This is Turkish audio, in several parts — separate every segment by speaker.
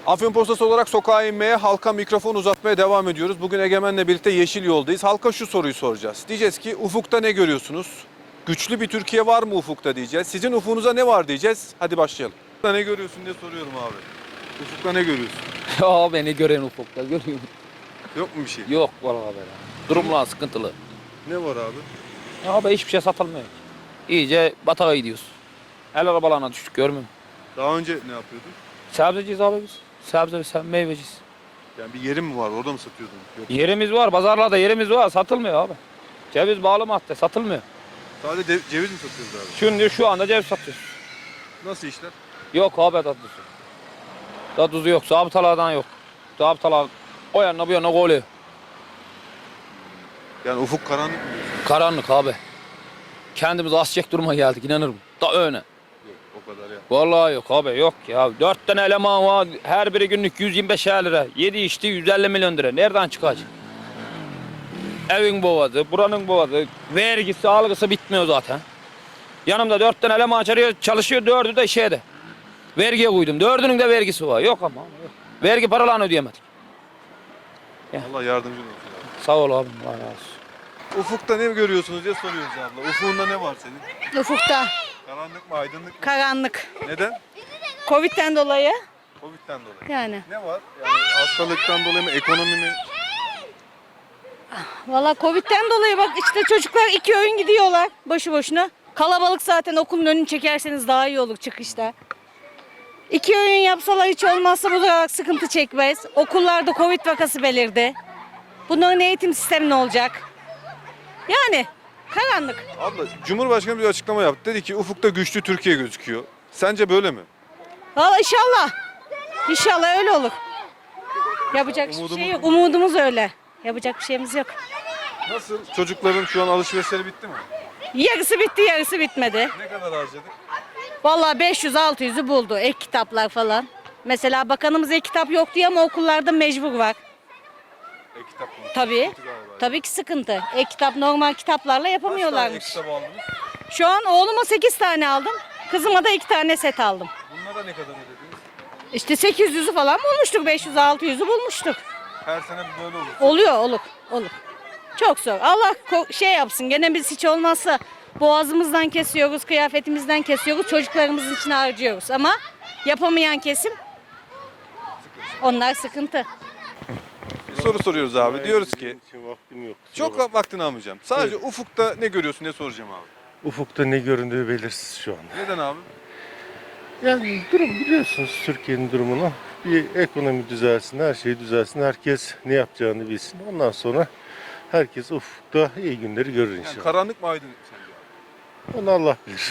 Speaker 1: Afyon olarak sokağa inmeye, halka mikrofon uzatmaya devam ediyoruz. Bugün Egemen'le birlikte Yeşil Yol'dayız. Halka şu soruyu soracağız. Diyeceğiz ki ufukta ne görüyorsunuz? Güçlü bir Türkiye var mı ufukta diyeceğiz. Sizin ufuğunuza ne var diyeceğiz. Hadi başlayalım. Ufukta ne görüyorsun diye soruyorum abi. Ufukta ne görüyorsun?
Speaker 2: Ya beni gören ufukta görüyorum.
Speaker 1: Yok mu bir şey?
Speaker 2: Yok vallahi böyle. Durumlar sıkıntılı.
Speaker 1: Ne var abi?
Speaker 2: Ya abi hiçbir şey satılmıyor. İyice batağa gidiyoruz. El arabalarına düştük görmüyor musun?
Speaker 1: Daha önce ne yapıyordun?
Speaker 2: Sebzeciyiz abi biz. Sebze meyveciyiz.
Speaker 1: Yani bir yerin mi var? Orada mı satıyordun? Yok.
Speaker 2: Yerimiz var, pazarlarda yerimiz var. Satılmıyor abi. Ceviz bağlı madde satılmıyor.
Speaker 1: Sadece ceviz mi satıyoruz abi?
Speaker 2: Şimdi şu anda ceviz satıyoruz.
Speaker 1: Nasıl işler?
Speaker 2: Yok abi tatlısı. Tatlısı yok. Zabıtalardan yok. Zabıtalar o yana bu yana koyuyor.
Speaker 1: Yani ufuk karanlık mı diyorsun?
Speaker 2: Karanlık abi. Kendimizi asacak duruma geldik inanırım. Da öne.
Speaker 1: Yok o kadar ya.
Speaker 2: Vallahi yok abi yok ya. 4 tane eleman var. Her biri günlük 125 lira. 7 içti 150 milyon lira. Nereden çıkacak? Evin boğazı, buranın boğazı, vergisi, algısı bitmiyor zaten. Yanımda 4 tane eleman çalışıyor, 4'ü de şeyde. Vergiye koydum. 4'ünün de vergisi var. Yok ama. Yok. Vergi paralarını ödeyemedik.
Speaker 1: Allah yardımcın olsun abi.
Speaker 2: Sağ ol abim. Allah razı olsun.
Speaker 1: Ufukta ne görüyorsunuz diye soruyoruz abla. Ufuğunda ne var senin?
Speaker 3: Ufukta
Speaker 1: Karanlık mı, aydınlık mı?
Speaker 3: karanlık.
Speaker 1: Neden?
Speaker 3: Covid'den dolayı
Speaker 1: Covid'den dolayı.
Speaker 3: yani.
Speaker 1: Ne var? Yani hastalıktan dolayı mı, ekonomi mi?
Speaker 3: Valla Covid'den dolayı bak işte çocuklar 2 öğün gidiyorlar boşu boşuna. Kalabalık zaten okulun önünü çekerseniz daha iyi olur çıkışta. 2 öğün yapsalar hiç olmazsa bu da sıkıntı çekmez. Okullarda Covid vakası belirdi. Bunların eğitim sistemi ne olacak? Yani karanlık.
Speaker 1: Abla, Cumhurbaşkanı bir açıklama yaptı. Dedi ki ufukta güçlü Türkiye gözüküyor. Sence böyle mi?
Speaker 3: Valla inşallah. İnşallah öyle olur. Yapacak bir şey yok. Umudumuz öyle. Yapacak bir şeyimiz yok.
Speaker 1: Nasıl? Çocukların şu an alışverişleri bitti mi?
Speaker 3: Yarısı bitti, yarısı bitmedi.
Speaker 1: Ne kadar harcadık?
Speaker 3: Vallahi 500-600'ü buldu ek kitaplar falan. Mesela bakanımız ek kitap yok diye ama okullarda mecbur var.
Speaker 1: E-kitap mı?
Speaker 3: Tabii.
Speaker 1: Sıkıntı galiba.
Speaker 3: Tabii ki sıkıntı. Ek kitap normal kitaplarla
Speaker 1: Kaç tane
Speaker 3: yapamıyorlarmış.
Speaker 1: e-kitap aldınız?
Speaker 3: Şu an oğluma 8 tane aldım. Kızıma da 2 tane set aldım.
Speaker 1: Bunlara ne kadar ödediniz?
Speaker 3: İşte 800'ü falan bulmuştuk. 500-600'ü bulmuştuk.
Speaker 1: Her sene böyle olur.
Speaker 3: Oluyor, olur. Çok zor. Allah şey yapsın. Gene biz hiç olmazsa boğazımızdan kesiyoruz, kıyafetimizden kesiyoruz, çocuklarımızın için harcıyoruz. Ama yapamayan kesim onlar sıkıntı.
Speaker 1: Bir soru soruyoruz abi. Diyoruz ki
Speaker 4: Vaktim yok.
Speaker 1: çok vaktini almayacağım. Sadece ufukta ne görüyorsun diye soracağım abi.
Speaker 4: Ufukta ne göründüğü belirsiz şu an.
Speaker 1: Neden abi?
Speaker 4: Yani durum biliyorsunuz Türkiye'nin durumunu. Bir ekonomi düzelsin, her şey düzelsin, herkes ne yapacağını bilsin. Ondan sonra herkes ufukta iyi günleri görür
Speaker 1: Yani
Speaker 4: inşallah.
Speaker 1: karanlık mı aydınlık mı sence?
Speaker 4: Onu Allah bilir.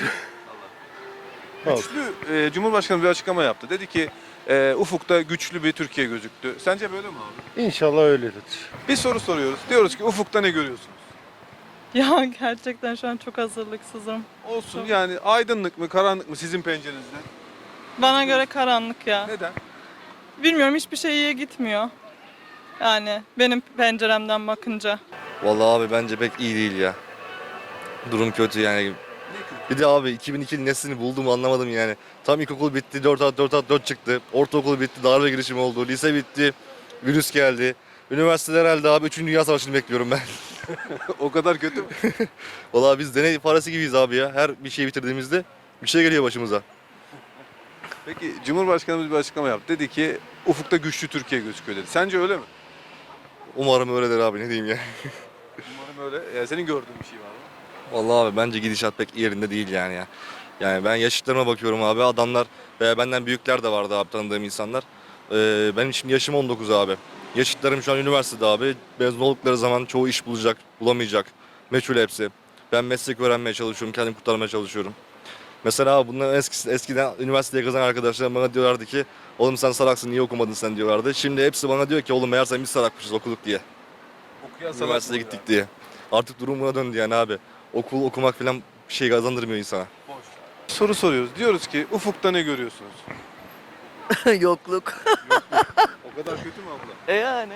Speaker 1: Güçlü, Cumhurbaşkanı bir açıklama yaptı. Dedi ki ufukta güçlü bir Türkiye gözüktü. Sence böyle mi abi?
Speaker 4: İnşallah öyledir.
Speaker 1: Bir soru soruyoruz. Diyoruz ki ufukta ne görüyorsunuz?
Speaker 5: Ya gerçekten şu an çok hazırlıksızım.
Speaker 1: Olsun
Speaker 5: Çok.
Speaker 1: yani aydınlık mı karanlık mı sizin pencerenizden?
Speaker 5: Bana göre karanlık ya.
Speaker 1: Neden?
Speaker 5: Bilmiyorum hiçbir şey iyiye gitmiyor. Yani benim penceremden bakınca.
Speaker 6: Vallahi abi bence pek iyi değil ya. Durum kötü yani. Bir de abi 2002'nin nesini buldum anlamadım yani. Tam ilkokul bitti 4+4+4 çıktı. Ortaokul bitti darbe girişimi oldu. Lise bitti. Virüs geldi. Üniversiteler herhalde abi 3. Dünya Savaşı'nı bekliyorum ben.
Speaker 1: O kadar kötü mü?
Speaker 6: Vallahi biz deney parası gibiyiz abi ya. Her bir şey bitirdiğimizde bir şey geliyor başımıza.
Speaker 1: Peki Cumhurbaşkanımız bir açıklama yaptı. Dedi ki ufukta güçlü Türkiye gözüküyor dedi. Sence öyle mi?
Speaker 6: Umarım öyledir abi ne diyeyim ya.
Speaker 1: Umarım öyle. Senin gördüğün bir şey var mı?
Speaker 6: Vallahi abi bence gidişat pek yerinde değil yani ya. Yani ben yaşıtlarıma bakıyorum abi adamlar veya benden büyükler de vardı abi tanıdığım insanlar. Benim şimdi yaşım 19 abi. Yaşıtlarım şu an üniversitede abi. Mezun oldukları zaman çoğu iş bulacak, bulamayacak. Meçhul hepsi. Ben meslek öğrenmeye çalışıyorum, kendimi kurtarmaya çalışıyorum. Mesela abi bunların eskiden üniversiteye kazanan arkadaşlarım bana diyorlardı ki oğlum sen salaksın niye okumadın sen diyorlardı. Şimdi hepsi bana diyor ki oğlum meğerse biz salakmışız okuduk diye.
Speaker 1: Okuyan salak
Speaker 6: Üniversiteye
Speaker 1: mı
Speaker 6: gittik
Speaker 1: ya?
Speaker 6: diye. Artık durum buna döndü yani abi. Okul okumak falan bir şey kazandırmıyor insana.
Speaker 1: Soru soruyoruz. Diyoruz ki ufukta ne görüyorsunuz?
Speaker 7: Yokluk.
Speaker 1: O kadar kötü mü abla?
Speaker 7: Yani.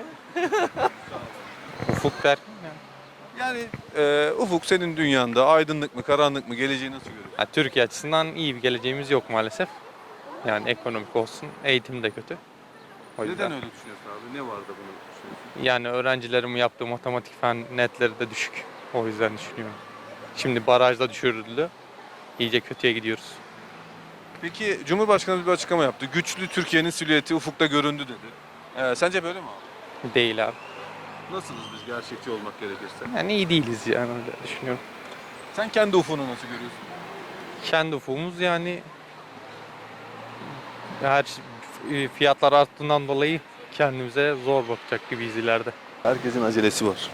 Speaker 8: Ufuk derken
Speaker 1: Yani ufuk senin dünyanda aydınlık mı karanlık mı geleceği nasıl görüyorsun?
Speaker 8: ya Türkiye açısından iyi bir geleceğimiz yok maalesef. Yani ekonomik olsun, eğitim de kötü. O yüzden.
Speaker 1: Neden öyle düşünüyorsun abi? Ne var da bunu düşünüyorsun?
Speaker 8: Yani öğrencilerin yaptığı matematik fen netleri de düşük. O yüzden düşünüyorum. Şimdi barajda düşürüldü. İyice kötüye gidiyoruz.
Speaker 1: Peki Cumhurbaşkanı bir açıklama yaptı. Güçlü Türkiye'nin silüeti ufukta göründü dedi. Sence böyle mi abi?
Speaker 8: Değil abi.
Speaker 1: Nasılız biz gerçekçi olmak gerekirse?
Speaker 8: Yani iyi değiliz yani öyle düşünüyorum.
Speaker 1: Sen kendi ufunu nasıl görüyorsun?
Speaker 8: Kendi ufumuz yani fiyatlar arttığından dolayı kendimize zor bakacak gibiyiz ileride.
Speaker 1: Herkesin acelesi var.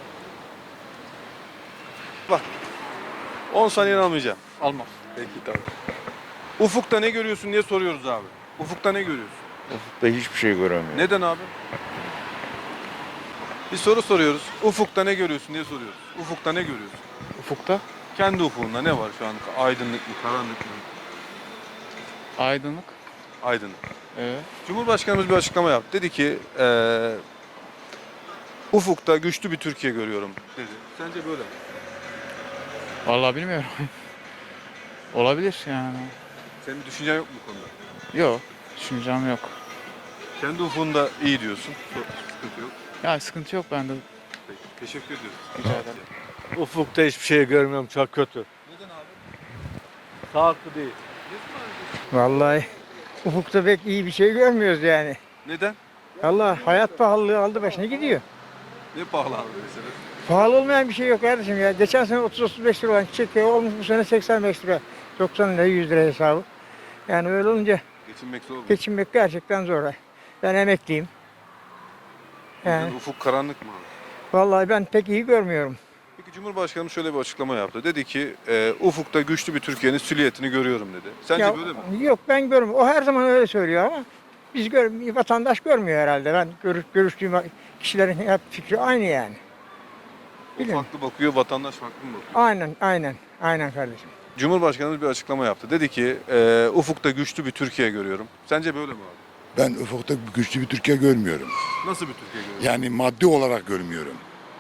Speaker 1: Bak. 10 saniyen almayacağım.
Speaker 8: Almaz.
Speaker 1: Peki tamam. Ufukta ne görüyorsun diye soruyoruz abi. Ufukta ne görüyorsun?
Speaker 9: Ufukta hiçbir şey göremiyorum.
Speaker 1: Neden abi? Bir soru soruyoruz. Ufukta ne görüyorsun diye soruyoruz. Ufukta ne görüyorsun?
Speaker 10: Ufukta
Speaker 1: Kendi ufukunda ne var şu an? Aydınlık mı, karanlık mı?
Speaker 10: aydınlık.
Speaker 1: Aydınlık.
Speaker 10: Evet.
Speaker 1: Cumhurbaşkanımız bir açıklama yaptı. Dedi ki ufukta güçlü bir Türkiye görüyorum dedi. Sence böyle mi?
Speaker 10: Vallahi bilmiyorum. Olabilir yani.
Speaker 1: Senin düşüncen yok mu bu konuda?
Speaker 10: Yok. Düşüncem yok.
Speaker 1: Kendi ufukunda iyi diyorsun. Sıkıntı yok.
Speaker 10: Ya sıkıntı yok bende.
Speaker 1: Peki. Teşekkür ediyoruz.
Speaker 10: Rica ederim.
Speaker 11: Ufukta hiçbir şey görmüyorum, çok kötü.
Speaker 1: Neden abi?
Speaker 11: Sağlıklı değil.
Speaker 12: Vallahi ufukta pek iyi bir şey görmüyoruz yani.
Speaker 1: Neden?
Speaker 12: Allah hayat pahalılığı aldı başına gidiyor.
Speaker 1: Ne pahalı abi mesela?
Speaker 12: Pahalı olmayan bir şey yok kardeşim ya. Geçen sene 30-35 lira olan çiçek yağı olmuş bu sene 85 lira. 90 lira 100 lira hesabı. Yani öyle olunca
Speaker 1: Geçinmek zor mu?
Speaker 12: geçinmek gerçekten zor. Ben emekliyim. Yani
Speaker 1: Yani ufuk karanlık mı abi?
Speaker 12: vallahi ben pek iyi görmüyorum.
Speaker 1: Peki Cumhurbaşkanı şöyle bir açıklama yaptı. Dedi ki ufukta güçlü bir Türkiye'nin silüetini görüyorum dedi. Sence
Speaker 12: Ya,
Speaker 1: böyle mi?
Speaker 12: Yok ben görmüyorum. O her zaman öyle söylüyor ama biz vatandaş görmüyor herhalde. Ben görüştüğüm kişilerin hep fikri aynı yani.
Speaker 1: O
Speaker 12: Bilmiyorum.
Speaker 1: farklı bakıyor, vatandaş farklı mı bakıyor?
Speaker 12: Aynen kardeşim.
Speaker 1: Cumhurbaşkanımız bir açıklama yaptı. Dedi ki ufukta güçlü bir Türkiye görüyorum. Sence böyle mi abi?
Speaker 9: Ben ufukta güçlü bir Türkiye görmüyorum.
Speaker 1: Nasıl bir Türkiye görüyorsun?
Speaker 9: Yani maddi olarak görmüyorum.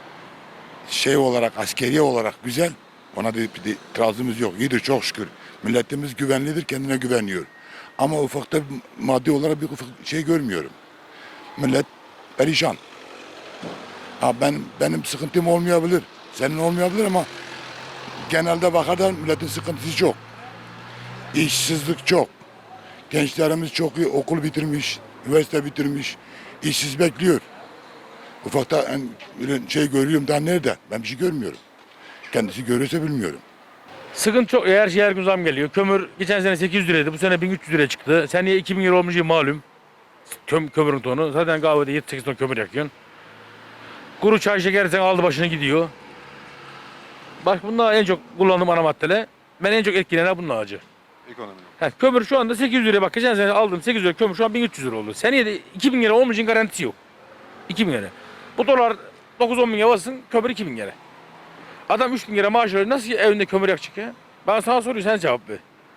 Speaker 9: Şey olarak, askeri olarak güzel. Ona da bir itirazımız yok. İyidir çok şükür. Milletimiz güvenlidir, kendine güveniyor. Ama ufukta maddi olarak bir şey görmüyorum. Millet perişan. Ha benim sıkıntım olmayabilir. Senin olmayabilir ama genelde bakarsan milletin sıkıntısı çok. İşsizlik çok. Gençlerimiz çok iyi okul bitirmiş, üniversite bitirmiş, işsiz bekliyor. Ufakta şey görüyorum daha nerede? Ben bir şey görmüyorum. Kendisi görüyorsa bilmiyorum.
Speaker 11: Sıkıntı çok. Her şey her gün zam geliyor. Kömür geçen sene 800 liraydı. Bu sene 1300 liraya çıktı. Seneye 2000 lira olmuş malum. Kömürün tonu. Zaten kahvede 7-8 ton kömür yakıyorsun. Kuru çay şeker sen aldı başını gidiyor. Bak bunlar en çok kullandığım ana maddeler. Ben en çok etkilenen bunun acı.
Speaker 1: Ekonomi.
Speaker 11: Kömür şu anda 800 liraya bak. Geçen sene aldığım 800 lira kömür şu an 1300 lira oldu. Seneye de 2000 lira olmayacağın garantisi yok. 2000 lira. Bu dolar 9-10 bin lira basın kömür 2000 lira. Adam 3000 lira maaş alıyor. Nasıl evinde kömür yakacak ya? Ben sana soruyorum sen cevap ver.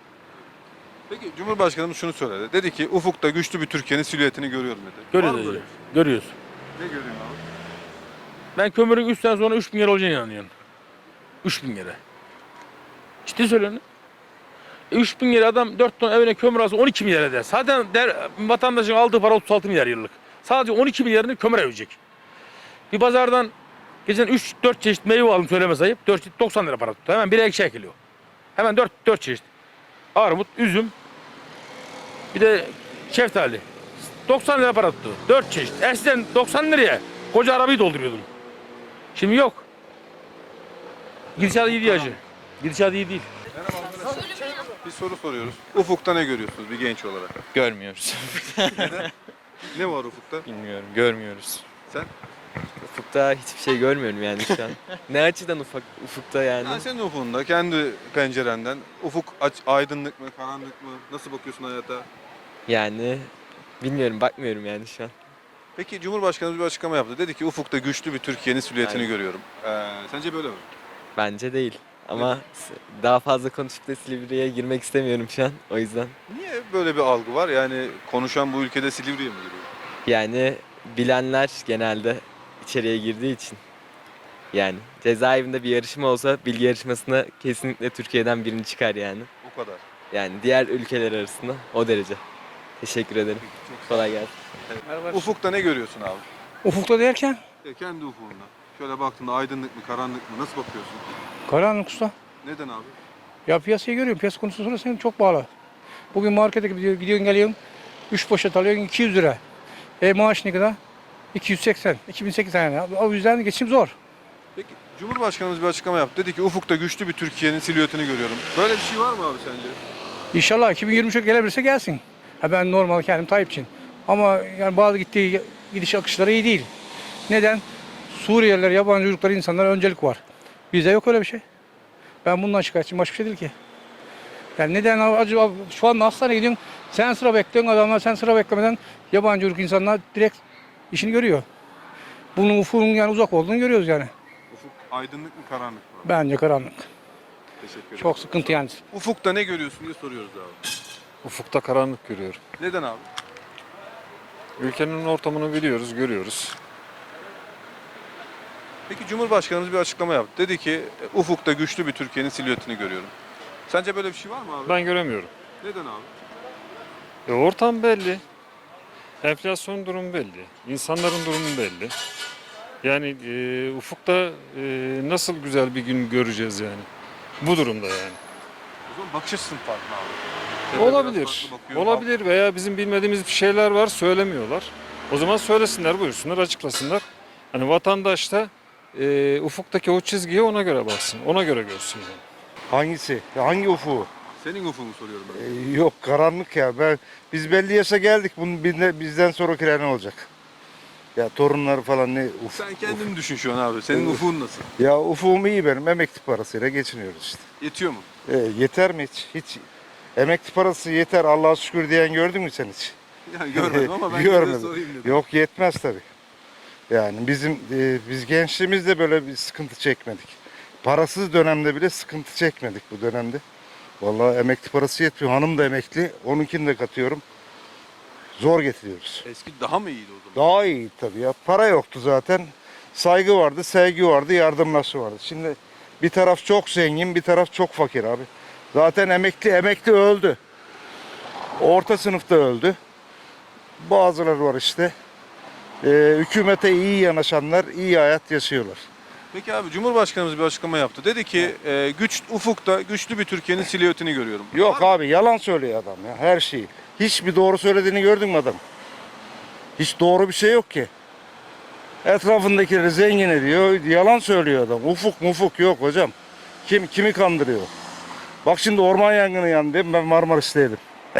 Speaker 1: Peki Cumhurbaşkanımız şunu söyledi. Dedi ki ufukta güçlü bir Türkiye'nin silüetini görüyorum dedi. Var mı
Speaker 11: Görüyoruz.
Speaker 1: böyle?
Speaker 11: Görüyoruz.
Speaker 1: Ne görüyorsun abi?
Speaker 11: Ben kömürün 3 sene sonra 3000 lira olacağına inanıyorum. 3000 lira. Ciddi söylüyorum. 3000 lira adam 4 ton evine kömür alsa 12 milyar eder. Zaten vatandaşın aldığı para 36 milyar yıllık. Sadece 12 milyarını kömüre ödeyecek. Bir pazardan geçen 3-4 çeşit meyve aldım söyleme sayıp 4 çeşit 90 lira para tuttu. Hemen biri ekşi kilo. Hemen 4 çeşit. Armut, üzüm, bir de şeftali. 90 lira para tuttu. 4 çeşit. Eskiden 90 liraya koca arabayı dolduruyordum. Şimdi yok. Gidişat iyi değil hacı. Gidişat iyi değil.
Speaker 1: Bir soru soruyoruz. Ufukta ne görüyorsunuz bir genç olarak?
Speaker 8: Görmüyoruz.
Speaker 1: Ne var ufukta?
Speaker 8: Bilmiyorum. Görmüyoruz.
Speaker 1: Sen?
Speaker 7: Ufukta hiçbir şey görmüyorum yani şu an. Ne açıdan ufukta yani?
Speaker 1: Yani senin ufukunda, kendi pencerenden ufuk aydınlık mı, karanlık mı? Nasıl bakıyorsun hayata?
Speaker 7: Yani bilmiyorum, bakmıyorum yani şu an.
Speaker 1: Peki Cumhurbaşkanımız bir açıklama yaptı. Dedi ki ufukta güçlü bir Türkiye'nin silüetini
Speaker 7: Aynen.
Speaker 1: görüyorum. Sence böyle mi?
Speaker 7: Bence değil. Ama daha fazla konuşup da Silivri'ye girmek istemiyorum şu an. O yüzden.
Speaker 1: Niye böyle bir algı var? Yani konuşan bu ülkede Silivri'ye mi giriyor?
Speaker 7: Yani bilenler genelde içeriye girdiği için. Yani cezaevinde bir yarışma olsa bilgi yarışmasına kesinlikle Türkiye'den birini çıkar yani.
Speaker 1: O kadar.
Speaker 7: Yani diğer ülkeler arasında o derece. Teşekkür ederim. Kolay gelsin.
Speaker 1: Ufukta ne görüyorsun abi?
Speaker 12: Ufukta derken
Speaker 1: Kendi ufukunda. Şöyle baktığında aydınlık mı, karanlık mı? Nasıl bakıyorsun?
Speaker 12: karanlık usta.
Speaker 1: Neden abi?
Speaker 12: Ya piyasayı görüyorum. Piyasa konusunda senin çok bağlı. Bugün markete gidiyorsun geliyorsun. 3 poşet alıyorsun 200 lira. Maaş ne kadar? 280, 2008 yani. O yüzden geçim zor.
Speaker 1: Peki Cumhurbaşkanımız bir açıklama yaptı. Dedi ki ufukta güçlü bir Türkiye'nin silüetini görüyorum. Böyle bir şey var mı abi sence?
Speaker 12: İnşallah 2023'e gelebilirse gelsin. Ha ben normal kendim Tayyipçiyim. Ama yani bazı gittiği gidiş akışları iyi değil. Neden? Suriyeliler, yabancı çocuklar, insanlara öncelik var. Bizde yok öyle bir şey. Ben bundan şikayetçiyim. Başka bir şey değil ki. Yani neden acaba şu anda hastaneye gidiyorsun, sen sıra bekliyorsun, adamlar sen sıra beklemeden yabancı çocuk insanlar direkt işini görüyor. Bunun ufuğun yani uzak olduğunu görüyoruz yani.
Speaker 1: Ufuk aydınlık mı, karanlık mı?
Speaker 12: Bence karanlık.
Speaker 1: Teşekkür ederim.
Speaker 12: Çok sıkıntı yani.
Speaker 1: Ufukta ne görüyorsun diye soruyoruz abi.
Speaker 13: Ufukta karanlık görüyorum.
Speaker 1: Neden abi?
Speaker 13: Ülkenin ortamını biliyoruz, görüyoruz.
Speaker 1: Peki Cumhurbaşkanımız bir açıklama yaptı. Dedi ki ufukta güçlü bir Türkiye'nin silüetini görüyorum. Sence böyle bir şey var mı abi?
Speaker 13: Ben göremiyorum.
Speaker 1: Neden abi?
Speaker 13: Ortam belli. Enflasyon durumu belli. İnsanların durumu belli. Yani ufukta nasıl güzel bir gün göreceğiz yani. Bu durumda yani.
Speaker 1: O zaman bakış açısın farklı abi. Devlet
Speaker 13: Olabilir.
Speaker 1: biraz farklı bakıyor.
Speaker 13: Olabilir veya bizim bilmediğimiz bir şeyler var, söylemiyorlar. O zaman söylesinler, buyursunlar, açıklasınlar. Hani vatandaş da ufuktaki o çizgiye ona göre baksın, ona göre görsün yani.
Speaker 4: Hangisi? Hangi ufuğu?
Speaker 1: Senin ufuğunu soruyorum ben.
Speaker 4: Yok karanlık ya. Biz belli yaşa geldik. Bunun bizden sonrakiler ne olacak? Ya torunları falan ne
Speaker 1: Sen kendini düşün şu an abi. Senin ufuğun nasıl?
Speaker 4: Ya ufuğum iyi benim. Emekli parasıyla geçiniyoruz işte.
Speaker 1: Yetiyor mu?
Speaker 4: Yeter mi hiç? Hiç emekli parası yeter Allah'a şükür diyen gördün mü sen hiç?
Speaker 1: Yani görmedim ama ben yine de sorayım dedim.
Speaker 4: Yok yetmez tabii. Yani biz gençliğimizde böyle bir sıkıntı çekmedik. Parasız dönemde bile sıkıntı çekmedik bu dönemde. Vallahi emekli parası yetmiyor. Hanım da emekli. Onunkini de katıyorum. Zor getiriyoruz.
Speaker 1: Eski daha mı iyiydi o zaman?
Speaker 4: Daha iyi tabii ya. Para yoktu zaten. Saygı vardı, sevgi vardı, yardımlaşı vardı. Şimdi bir taraf çok zengin, bir taraf çok fakir abi. Zaten emekli öldü. Orta sınıfta öldü. Bazıları var işte. Hükümete iyi yanaşanlar iyi hayat yaşıyorlar.
Speaker 1: Peki abi Cumhurbaşkanımız bir açıklama yaptı. Dedi ki ufukta güçlü bir Türkiye'nin silüetini görüyorum.
Speaker 4: Yok abi yalan söylüyor adam ya her şeyi. Hiçbir doğru söylediğini gördün mü adam? Hiç doğru bir şey yok ki. Etrafındakileri zengin ediyor, yalan söylüyor adam. Ufuk yok hocam. Kimi kandırıyor? Bak şimdi orman yangını yandı değil mi? Ben Marmaris'teydim.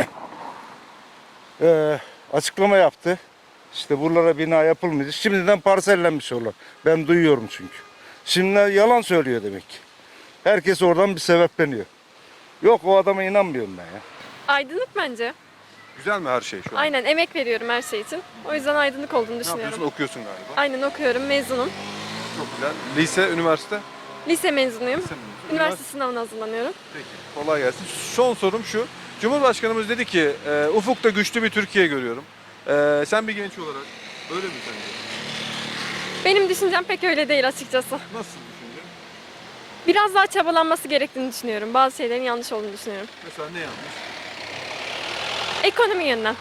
Speaker 4: Açıklama yaptı. İşte buralara bina yapılmayacak. Şimdiden parsellenmiş oralar. Ben duyuyorum çünkü. Şimdi yalan söylüyor demek ki. Herkes oradan bir sebepleniyor. Yok o adama inanmıyorum ben ya.
Speaker 14: Aydınlık bence.
Speaker 1: Güzel mi her şey şu an?
Speaker 14: Aynen emek veriyorum her şey için. O yüzden aydınlık olduğunu
Speaker 1: Ne
Speaker 14: düşünüyorum.
Speaker 1: yapıyorsun? Okuyorsun galiba.
Speaker 14: Aynen okuyorum, mezunum.
Speaker 1: Çok güzel. Lise, üniversite?
Speaker 14: Lise mezunuyum.
Speaker 1: Lise mi?
Speaker 14: Üniversite sınavına hazırlanıyorum.
Speaker 1: Peki. Kolay gelsin. Son sorum şu. Cumhurbaşkanımız dedi ki ufukta güçlü bir Türkiye görüyorum. Sen bir genç olarak öyle mi sence?
Speaker 14: Benim düşüncem pek öyle değil açıkçası.
Speaker 1: Nasıl düşünce?
Speaker 14: Biraz daha çabalanması gerektiğini düşünüyorum. Bazı şeylerin yanlış olduğunu düşünüyorum.
Speaker 1: Mesela ne yanlış?
Speaker 14: Ekonomi yönden.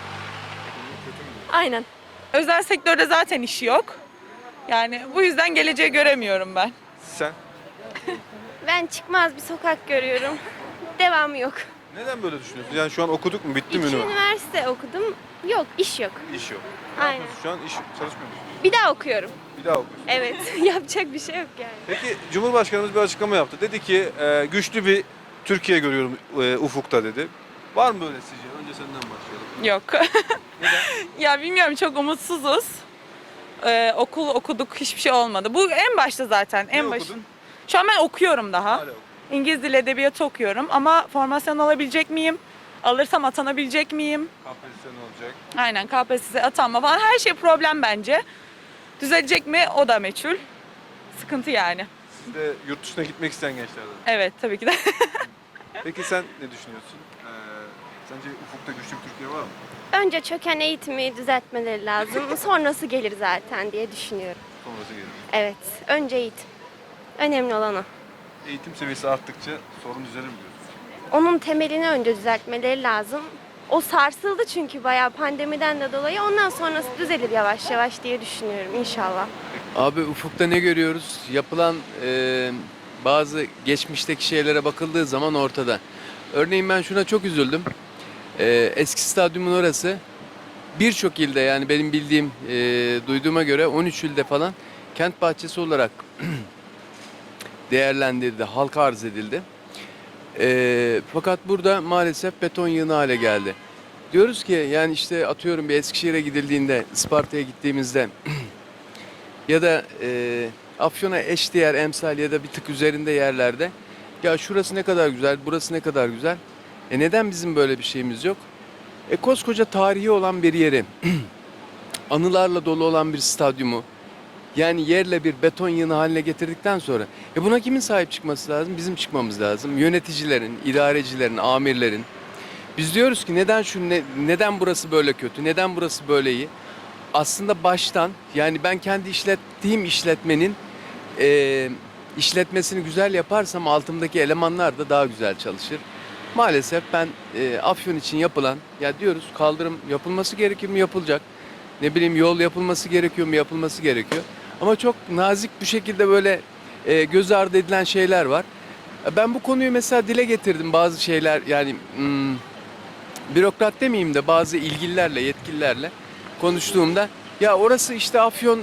Speaker 14: Aynen.
Speaker 5: Özel sektörde zaten işi yok. Yani bu yüzden geleceği göremiyorum ben.
Speaker 1: Sen?
Speaker 14: Ben çıkmaz bir sokak görüyorum. Devamı yok.
Speaker 1: Neden böyle düşünüyorsun? Yani şu an okuduk mu? Bitti mi üniversite?
Speaker 14: üniversite okudum. Yok, iş yok.
Speaker 1: İş yok.
Speaker 14: Aynen.
Speaker 1: yapıyorsun şu an? İş çalışmıyor musun?
Speaker 14: Bir daha okuyorum.
Speaker 1: Bir daha okuyorsun.
Speaker 14: Evet, yapacak bir şey yok yani.
Speaker 1: Peki Cumhurbaşkanımız bir açıklama yaptı. Dedi ki güçlü bir Türkiye görüyorum ufukta dedi. Var mı böyle sizce? Önce senden başlayalım.
Speaker 5: Yok.
Speaker 1: Neden?
Speaker 5: Ya bilmiyorum çok umutsuzuz. Okul okuduk hiçbir şey olmadı. Bu en başta zaten en başın.
Speaker 1: okudun?
Speaker 5: Şu an ben okuyorum daha.
Speaker 1: Hala okuyorum.
Speaker 5: İngiliz dili edebiyatı okuyorum ama formasyon alabilecek miyim? Alırsam atanabilecek miyim?
Speaker 1: KPSS ne olacak?
Speaker 5: Aynen KPSS atanma falan her şey problem bence. Düzelecek mi o da meçhul. Sıkıntı yani.
Speaker 1: Siz de yurt dışına gitmek isteyen gençlerden.
Speaker 5: Evet tabii ki de.
Speaker 1: Peki sen ne düşünüyorsun? Sence ufukta güçlü bir Türkiye var mı?
Speaker 14: Önce çöken eğitimi düzeltmeleri lazım. Sonrası gelir zaten diye düşünüyorum.
Speaker 1: Sonrası gelir.
Speaker 14: Evet, önce eğitim. Önemli olan o.
Speaker 1: Eğitim seviyesi arttıkça sorun düzelir mi diyorsun?
Speaker 14: Onun temelini önce düzeltmeleri lazım. O sarsıldı çünkü bayağı pandemiden de dolayı. Ondan sonrası düzelir yavaş yavaş diye düşünüyorum inşallah.
Speaker 15: Abi ufukta ne görüyoruz? Yapılan bazı geçmişteki şeylere bakıldığı zaman ortada. Örneğin ben şuna çok üzüldüm. Eski stadyumun orası birçok ilde, yani benim bildiğim, duyduğuma göre 13 ilde falan kent bahçesi olarak değerlendirildi, halka arz edildi. Fakat burada maalesef beton yığını hale geldi. Diyoruz ki yani işte atıyorum bir Eskişehir'e gidildiğinde, Isparta'ya gittiğimizde ya da Afyon'a eşdeğer emsal ya da bir tık üzerinde yerlerde ya şurası ne kadar güzel, burası ne kadar güzel. Neden bizim böyle bir şeyimiz yok? Koskoca tarihi olan bir yeri, anılarla dolu olan bir stadyumu, yani yerle bir beton yığını haline getirdikten sonra buna kimin sahip çıkması lazım? Bizim çıkmamız lazım. Yöneticilerin, idarecilerin, amirlerin. Biz diyoruz ki neden burası böyle kötü, neden burası böyle iyi? Aslında baştan, yani ben kendi işlettiğim işletmenin işletmesini güzel yaparsam altımdaki elemanlar da daha güzel çalışır. Maalesef ben Afyon için yapılan, ya diyoruz kaldırım yapılması gerekir mi? Yapılacak. Ne bileyim yol yapılması gerekiyor mu? Yapılması gerekiyor. Ama çok nazik bir şekilde böyle göz ardı edilen şeyler var. Ben bu konuyu mesela dile getirdim, bazı şeyler, yani bürokrat demeyeyim de bazı ilgililerle, yetkililerle konuştuğumda ya orası işte Afyon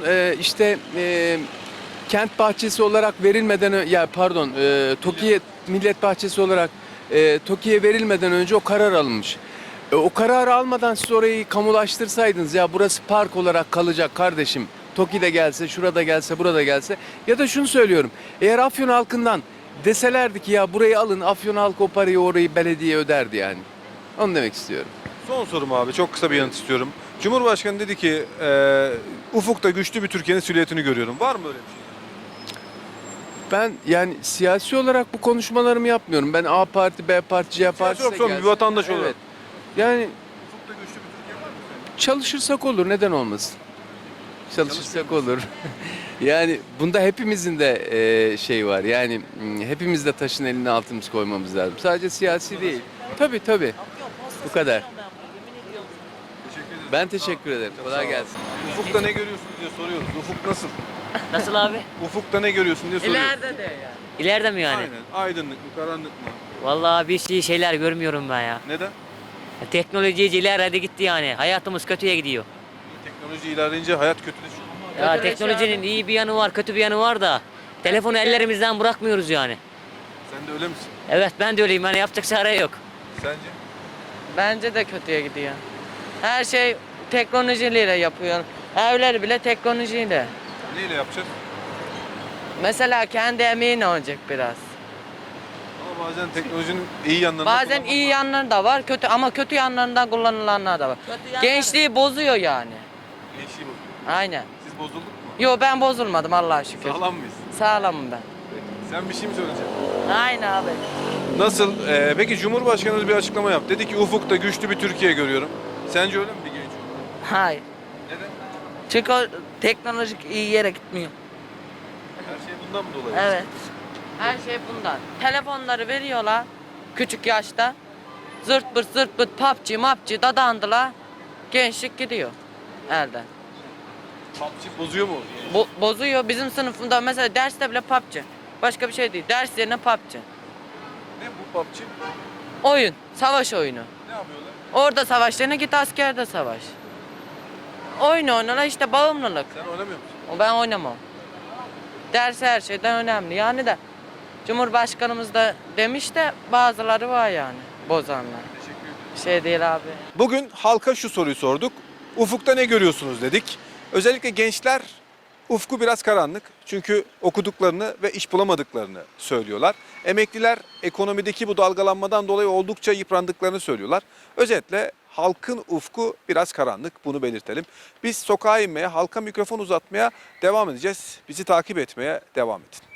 Speaker 15: kent bahçesi olarak verilmeden TOKİ'ye millet bahçesi olarak TOKİ'ye verilmeden önce o karar alınmış. O kararı almadan siz orayı kamulaştırsaydınız, ya burası park olarak kalacak kardeşim, TOKİ de gelse, şurada gelse, burada gelse, ya da şunu söylüyorum, eğer Afyon halkından deselerdi ki ya burayı alın, Afyon halkı o parayı, orayı belediye öderdi yani. Onu demek istiyorum.
Speaker 1: Son sorum abi, çok kısa bir yanıt istiyorum. Cumhurbaşkanı dedi ki ufukta güçlü bir Türkiye'nin silüetini görüyorum. Var mı öyle bir şey?
Speaker 15: Ben yani siyasi olarak bu konuşmalarımı yapmıyorum. Ben A parti, B parti, C parti
Speaker 1: Yok, bir vatandaş olarak.
Speaker 15: Evet. Yani
Speaker 1: Ufukta güçlü bir Türkiye var mı?
Speaker 15: çalışırsak olur, neden olmasın? Çalışırsak olur. Yani bunda hepimizin de şey var. Yani hepimiz de taşın eline altımız koymamız lazım. Sadece siyasi değil. Tabii. Bu kadar. Ben teşekkür ederim. Kolay gelsin.
Speaker 1: Ufukta ne görüyorsun diye soruyoruz. Ufuk nasıl?
Speaker 16: Nasıl abi?
Speaker 1: Ufukta ne görüyorsun diye soruyoruz.
Speaker 16: İleride de yani. İleride mi yani?
Speaker 1: Aynen. Aydınlık mı, karanlık mı?
Speaker 16: Vallahi bir şeyler görmüyorum ben ya.
Speaker 1: Neden?
Speaker 16: Teknoloji ileride gitti yani. Hayatımız kötüye gidiyor.
Speaker 1: Teknoloji ilerleyince hayat kötüleşiyor.
Speaker 16: Ya teknolojinin iyi bir yanı var, kötü bir yanı var da telefonu ellerimizden bırakmıyoruz yani.
Speaker 1: Sen de öyle misin?
Speaker 16: Evet ben de öyleyim. Yani yapacak çare yok.
Speaker 1: Sence?
Speaker 5: Bence de kötüye gidiyor. Her şey teknolojiyle yapıyor. Evler bile teknolojiyle.
Speaker 1: Neyle yapacağız?
Speaker 5: Mesela kendi emeğin olacak biraz.
Speaker 1: Ama bazen teknolojinin iyi yanlarını
Speaker 5: Bazen iyi yanları da var, kötü ama kötü yanlarından kullanılanlar da var. Gençliği bozuyor yani.
Speaker 1: Gençliği bozuyor.
Speaker 5: Aynen.
Speaker 1: Siz bozulduk mu?
Speaker 5: Yo ben bozulmadım Allah'a şükür.
Speaker 1: Sağlam mıyız?
Speaker 5: Sağlamım ben.
Speaker 1: Sen bir şey mi söyleyeceksin?
Speaker 5: Aynen abi.
Speaker 1: Nasıl? Peki Cumhurbaşkanımız bir açıklama yaptı. Dedi ki ufukta güçlü bir Türkiye görüyorum. Sence öyle mi bir genç?
Speaker 5: Hayır.
Speaker 1: Neden?
Speaker 5: Çünkü o teknolojik iyi yere gitmiyor.
Speaker 1: Her şey bundan mı dolayı?
Speaker 5: Evet. Her şey bundan. Telefonları veriyorlar küçük yaşta. Zırt pırt PUBG dadandılar. Gençlik gidiyor elden.
Speaker 1: PUBG bozuyor mu?
Speaker 5: Bozuyor. Bizim sınıfında mesela derste bile PUBG. Başka bir şey değil. Ders yerine PUBG.
Speaker 1: Ne bu PUBG?
Speaker 5: Oyun. Savaş oyunu.
Speaker 1: Ne yapıyorlar?
Speaker 5: Orada savaş yerine git askerde savaş. Oyun oynuyorlar işte bağımlılık.
Speaker 1: Sen oynamıyor musun?
Speaker 5: Ben oynamam. Ders her şeyden önemli. Yani de Cumhurbaşkanımız da demiş de bazıları var yani bozanlar.
Speaker 1: Teşekkür ederim.
Speaker 5: Bir şey değil abi.
Speaker 1: Bugün halka şu soruyu sorduk. Ufukta ne görüyorsunuz dedik. Özellikle gençler ufku biraz karanlık. Çünkü okuduklarını ve iş bulamadıklarını söylüyorlar. Emekliler ekonomideki bu dalgalanmadan dolayı oldukça yıprandıklarını söylüyorlar. Özetle halkın ufku biraz karanlık, bunu belirtelim. Biz sokağa inmeye, halka mikrofon uzatmaya devam edeceğiz. Bizi takip etmeye devam edin.